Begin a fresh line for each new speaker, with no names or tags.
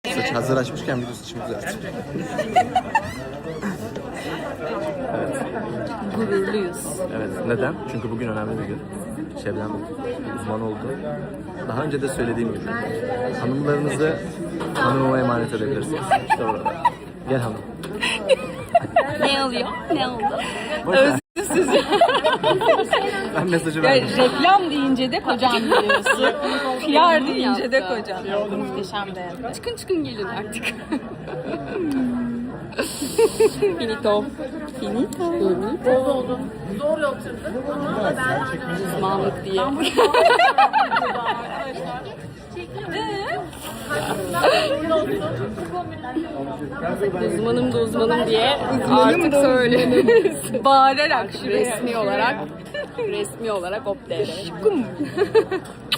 Saç hazır açmışken video saçımı düzelttim. Evet.
Gururluyuz.
Evet. Neden? Çünkü bugün önemli bir gün. Şebnem uzman oldu. Daha önce de söylediğim gibi hanımlarınızı hanımıma emanet edebilirsiniz. İşte orada. Gel hanım.
Ne oluyor? Ne oldu?
Özsüz. Ben mesajı verdim.
Reklam deyince de kocam diyorsun. PR deyince de kocam. Muhteşem de. Çıkın gelin artık. Finito. Finito.
Oldu. Zor oturduk ama ben
Uzmanlık diye. Uzmanım diye artık söyle. Bağırarak resmi olarak hop der.